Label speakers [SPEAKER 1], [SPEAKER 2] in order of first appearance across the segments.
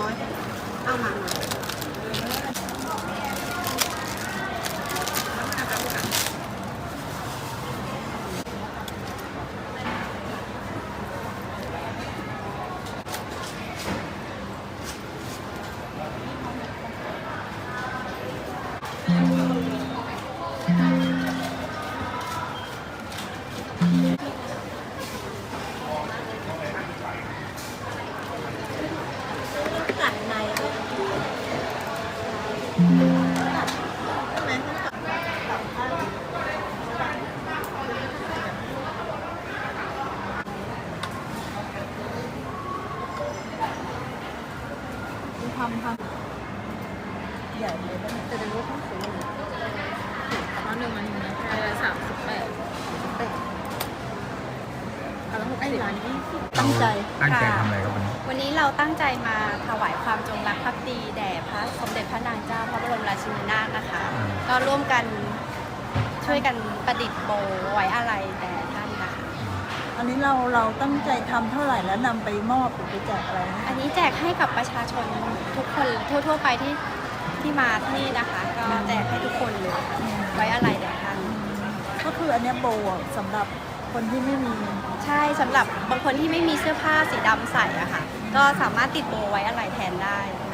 [SPEAKER 1] น้อยเอามากัดในทำใหญ่เลยจะได้รู้ทั้งสูง
[SPEAKER 2] เอา1 มันนะ38เอาแล้ว
[SPEAKER 1] ไอ้
[SPEAKER 2] 60
[SPEAKER 1] ร้านนี้ตั้งใจ
[SPEAKER 3] ตั้งใจทำอะไรครับวันนี้
[SPEAKER 4] วันนี้เราตั้งใจมาถวายความจงรักภักดีแด่พระสมเด็จพระนางเจ้าพระบรมราชินีนาถนะคะ ก็ร่วมกันช่วยกันประดิษฐ์โบไว้อาลัยแด่ท่านนะคะ
[SPEAKER 1] อันนี้เราตั้งใจทำเท่าไหร่แล้วนำไปมอบหรือไปแจกอะไรนะ
[SPEAKER 4] อันนี้แจกให้กับประชาชนทุกคนทั่วไปที่มาที่นี่นะคะ ก็แจกให้ทุกคนเลยค่ะไว้อาลัยแด่ท่าน
[SPEAKER 1] ก็คืออันเนี้ยโบอ่ะสำหรับคนที่ไม่มี
[SPEAKER 4] ใช่สำหรับบางคนที่ไม่มีเสื้อผ้าสีดำใส่อะค่ะ ก็สามารถติดโบไว้อาลัยแทนได้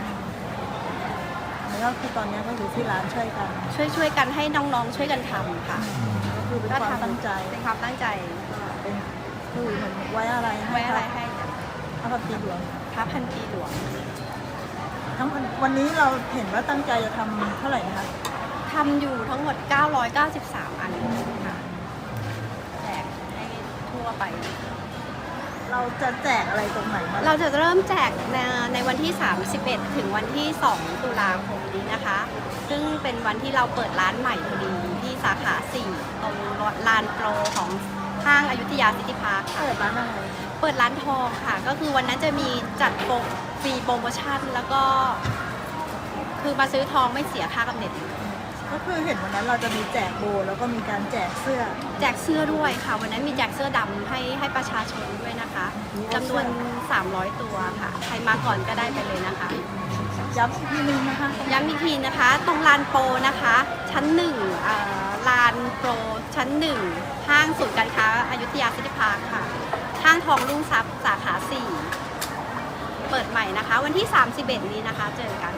[SPEAKER 1] แล้วก็คือตอนเนี้ยก็อยู่ที่ร้านช่วยกัน
[SPEAKER 4] ช่วยกันให้น้องๆช่วยกันทำค่ะ
[SPEAKER 1] ก็คือเป็นความตั้งใจ
[SPEAKER 4] เป็นความตั้งใจ
[SPEAKER 1] เป็นคือเหมือนไว้อะไร
[SPEAKER 4] ไว้อะไรให้
[SPEAKER 1] พระพันปีหลวง
[SPEAKER 4] พระพันปีหลวง
[SPEAKER 1] ทั้งวันนี้เราเห็นว่าตั้งใจจะทำเท่าไหร่นะคะ
[SPEAKER 4] ทำอยู่ทั้งหมด 993 อันค่ะแจกให้ทั่วไป
[SPEAKER 1] เราจะแจกอะไรตรงไหนมา
[SPEAKER 4] เราจะเริ่มแจกในวันที่ 31 ถึงวันที่ 2 ตุลาคมนี้นะคะ ซึ่งเป็นวันที่เราเปิดร้านใหม่พอดีที่สาขา 4 ตรงลานโปรของห้างอยุธยาซิตี้พาร์คค่ะ
[SPEAKER 1] เปิดร้านอะไร
[SPEAKER 4] เปิดร้านทองค่ะ ก็คือวันนั้นจะมีจัดฟรีโปรโมชั่นแล้วก็ คือมาซื้อทองไม่เสียค่ากำเนิด
[SPEAKER 1] ก็คือเห็นวันนั้นเราจะมีแจกโบแล้วก็มีการแจกเสื้อ
[SPEAKER 4] แจกเสื้อด้วยค่ะ วันนั้นมีแจกเสื้อดำให้ประชาชนด้วยนะคะจำนวน 300 ตัวค่ะ ใครมาก่อนก็ได้ไปเลยนะคะ
[SPEAKER 1] ย้ำอีกทีนึงนะคะ
[SPEAKER 4] ย้ำอีกทีนะคะ ตรงลานโปรนะคะ ชั้น1ลานโปรชั้น 1 ห้างศูนย์การค้าอยุธยาซิตี้พาร์คค่ะ ห้างทองรุ่งทรัพย์สาขา 4 เปิดใหม่นะคะ วันที่ 31 นี้นะคะ เจอกัน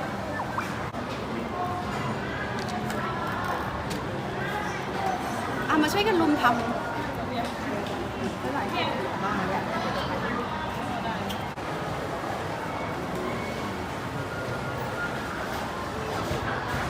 [SPEAKER 4] เอามาช่วยกันรุมทำ